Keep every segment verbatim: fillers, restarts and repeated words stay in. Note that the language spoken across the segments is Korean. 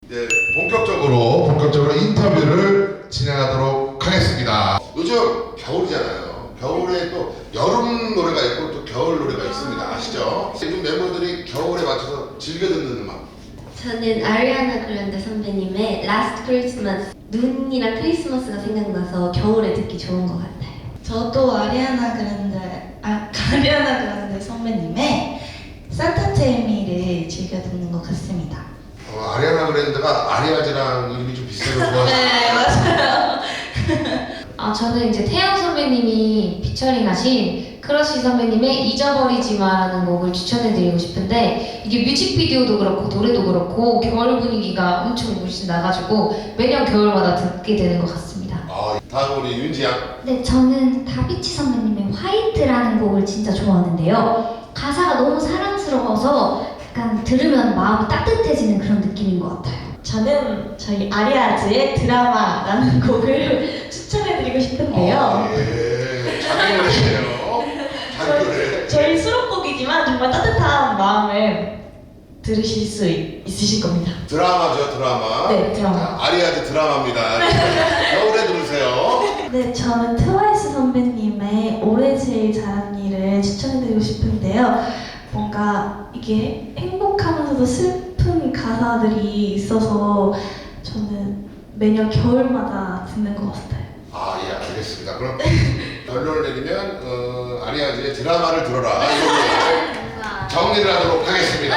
이제 본격적으로 본격적으로 인터뷰를 진행하도록 하겠습니다. 요즘 겨울이잖아요. 겨울에 또 여름 노래가 있고 또 겨울 노래가 있습니다. 아시죠? 요즘 멤버들이 겨울에 맞춰서 즐겨 듣는 음악. 저는 아리아나 그란데 선배님의 Last Christmas, 눈이랑 크리스마스가 생각나서 겨울에 듣기 좋은 것 같아요. 저도 아리아나 그란데, 아, 아리아나 그란데 선배님의 산타 테미를 즐겨 듣는 것 같습니다. 어, 아리아나 그랜드가 아리아즈랑 이름이 좀 비슷해서 좋아서. 네, 맞아요. 아, 저는 이제 태양 선배님이 피처링하신 크러쉬 선배님의 잊어버리지 마라는 곡을 추천해드리고 싶은데, 이게 뮤직비디오도 그렇고 노래도 그렇고 겨울 분위기가 엄청 물씬 나가지고 매년 겨울마다 듣게 되는 것 같습니다. 아, 다음 우리 윤지 양. 네, 저는 다비치 선배님의 화이트라는 곡을 진짜 좋아하는데요. 가사가 너무 사랑스러워서 약간 들으면 마음이 따뜻해지는 그런 느낌인 것 같아요. 저는 저희 아리아즈의 드라마라는 곡을 추천해드리고 싶은데요. 아, 예. 자기 노래시네요. 자기 노래. 저희 수록곡이지만 정말 따뜻한 마음을 들으실 수 있, 있으실 겁니다. 드라마죠, 드라마. 네, 드라마. 자, 아리아즈 드라마입니다. 겨울에 들으세요. 네, 저는 트와이스 선배님의 올해 제일 잘한 일을 추천해드리고 싶은데요. 뭔가 이게 행복하면서도 슬픈 가사들이 있어서 저는 매년 겨울마다 듣는 것 같아요. 아, 예, 알겠습니다. 그럼 결론을 내리면 어, 아리아즈의 드라마를 들어라. 이걸로 정리를 하도록 하겠습니다.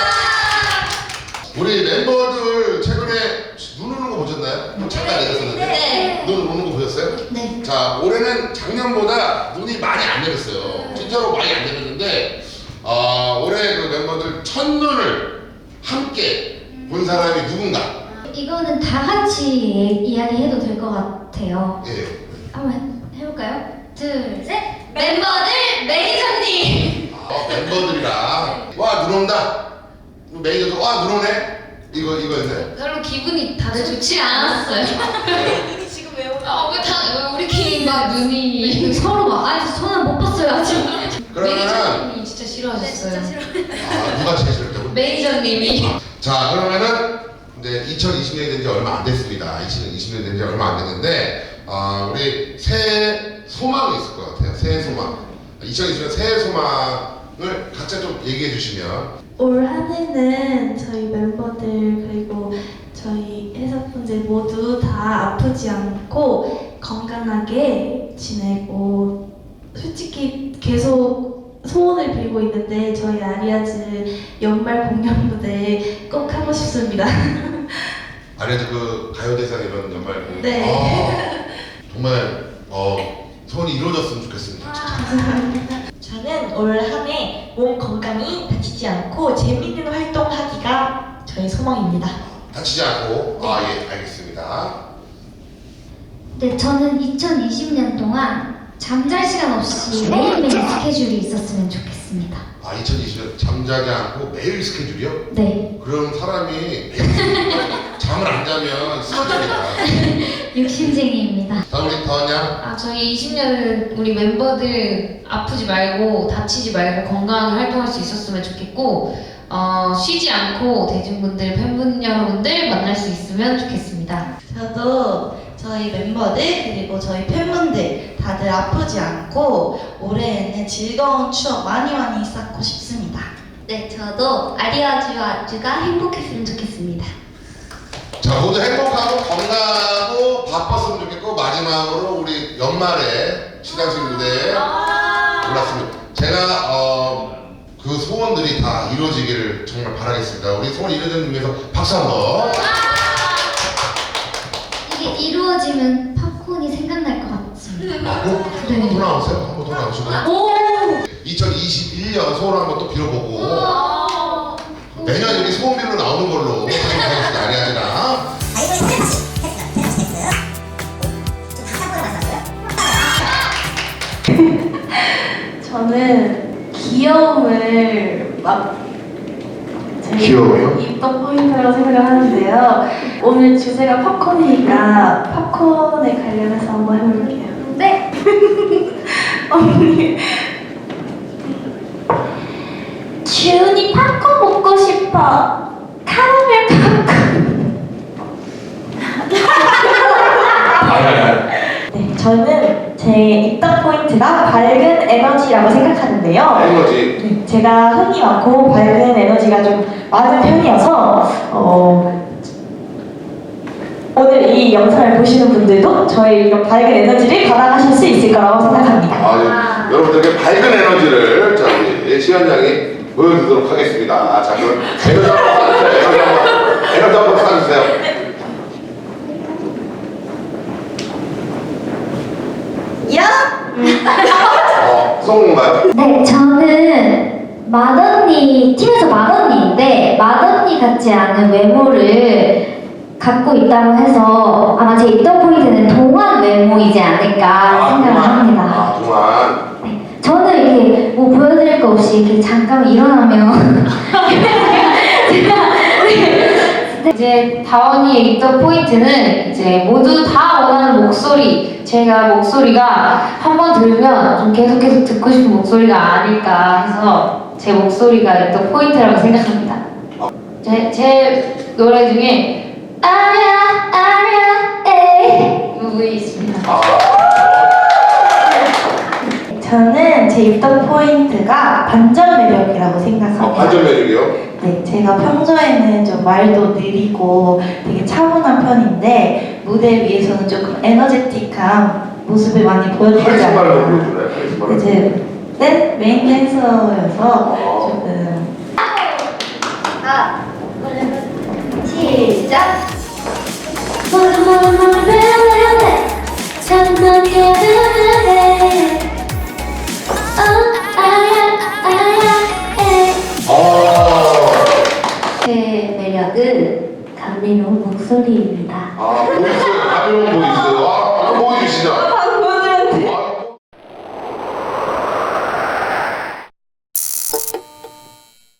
우리 멤버들 최근에 눈 오는 거 보셨나요? 잠깐 내렸었는데 네. 눈 오는 거 보셨어요? 네. 자, 올해는 작년보다 눈이 많이 안 내렸어요. 진짜로 많이 안 내렸는데 어, 올해 그 멤버들 첫눈을 함께 본 사람이 누군가? 이거는 다 같이 이야기해도 될 것 같아요. 예. 한번 해볼까요? 둘, 셋! 멤버들 매니저님! 아, 멤버들이랑 와, 눈 온다. 매니저도 와, 눈 오네. 이거 이거였나요? 별로 기분이 다들 좋지 않았어요. 지금 왜 오나? 아, 왜 다, 왜 우리끼리 막 눈이. 서로 막 아니 저는 못 봤어요 아직. 그러면은 매니저님이 진짜 네, 싫어하셨어요. 진짜 싫어요. 아, 누가 제일 싫었다고? 매니저님이. 자, 그러면은 이제 이천이십 년이 된 지 얼마 안 됐습니다. 이천이십 년 된 지 얼마 안 됐는데 아, 우리 새해 소망이 있을 것 같아요. 새해 소망. 이천이십 년 새해 소망을 각자 좀 얘기해 주시면. 올 한 해는 저희 멤버들 그리고 저희 회사분들 모두 다 아프지 않고 건강하게 지내고, 솔직히 계속 소원을 빌고 있는데 저희 아리아즈 연말 공연 무대 꼭 하고 싶습니다. 아리아즈 그 가요대상 이런 연말 그 네. 아, 정말 어, 소원이 이루어졌으면 좋겠습니다. 진짜. 저는 올 한 해 몸 건강히 다치지 않고 재밌는 활동하기가 저의 소망입니다. 다치지 않고. 아, 예, 알겠습니다. 네, 저는 이천이십 년 동안 잠잘 시간 없이 매일매일 스케줄이 있었으면 좋겠습니다. 아, 이천이십 년 잠자지 않고 매일 스케줄이요? 네. 그럼 사람이 매일 잠을 안 자면 쓰러집니다. 욕심쟁이입니다. 다음 우리 더냐? 아, 저희 이십 년은 우리 멤버들 아프지 말고 다치지 말고 건강하게 활동할 수 있었으면 좋겠고, 어, 쉬지 않고 대중분들, 팬분 여러분들 만날 수 있으면 좋겠습니다. 저도 저희 멤버들 그리고 저희 팬분들 다들 아프지 않고 올해에는 즐거운 추억 많이 많이 쌓고 싶습니다. 네, 저도 아리아즈와 아주가 행복했으면 좋겠습니다. 자, 모두 행복하고 건강하고 바빴으면 좋겠고, 마지막으로 우리 연말에 시상식 무대에 올랐습니다. 제가 어, 그 소원들이 다 이루어지기를 정말 바라겠습니다. 우리 소원 이루어지는 위해서 박수 한번. 이게 이루어지면 팝콘이 생각날 것 같습니다. 아, 꼭 한번 더 나오세요. 한번 더 나오시고. 이천이십일 년 소원 한번 또 빌어보고 내년 우리 소원 빌로 나오는 걸로 하겠습니다. 아리아즈랑. 저는 귀여움을 막 제일 귀여워요? 입덕 포인트라고 생각을 하는데요. 오늘 주제가 팝콘이니까 팝콘에 관련해서 한번 해볼게요. 네. 언니. 주은이 팝콘 먹고 싶어. 카라멜 팝콘. 저는 제 입덕 포인트가 밝은 에너지라고 생각하는데요. 에너지. 네, 제가 흥이 많고 밝은 에너지가 좀 많은 편이어서 어, 오늘 이 영상을 보시는 분들도 저의 이런 밝은 에너지를 받아가실 수 있을 거라고 생각합니다. 아, 예. 여러분들에게 밝은 에너지를 자 우리 시현 양이 보여드리도록 하겠습니다. 자 그럼 에너지 한번 쏴주세요. 에너지 한번 에너지 한번 쏴주세요. 야! 어, 성공인가요? 네, 저는 맏언니, 팀에서 맏언니인데 맏언니 같지 않은 외모를 갖고 있다고 해서 아마 제 입덕 포인트는 동안 외모이지 않을까 생각을 동안. 합니다. 아, 동안. 네, 저는 이렇게 뭐 보여드릴 거 없이 이렇게 잠깐 일어나면 제가 네, 이제 다원이의 입덕 포인트는 이제 모두 다 원하는 목소리. 제가 목소리가 한 번 들으면 좀 계속 계속 듣고 싶은 목소리가 아닐까 해서 제 목소리가 입덕 포인트라고 생각합니다. 제, 제 노래 중에 아냐 아냐 에이 이 부분이 있습니다. 아, 저는 제 입덕 포인트가 반전 매력이라고 생각합니다. 어, 반전 매력이요? 네, 제가 평소에는 좀 말도 느리고 되게 차분한 편인데 무대 위에서는 조금 에너제틱한 모습을 많이 보여드리지 카리스마를 않아요. 보여주나요? 카리스마를. 이제 댄 메인 댄서여서 조금 아, 시작. 아, 제 매력은 감미로운 목소리입니다. 아, 보이스, 가벼운 보이스. 아, 한번 보여주시죠.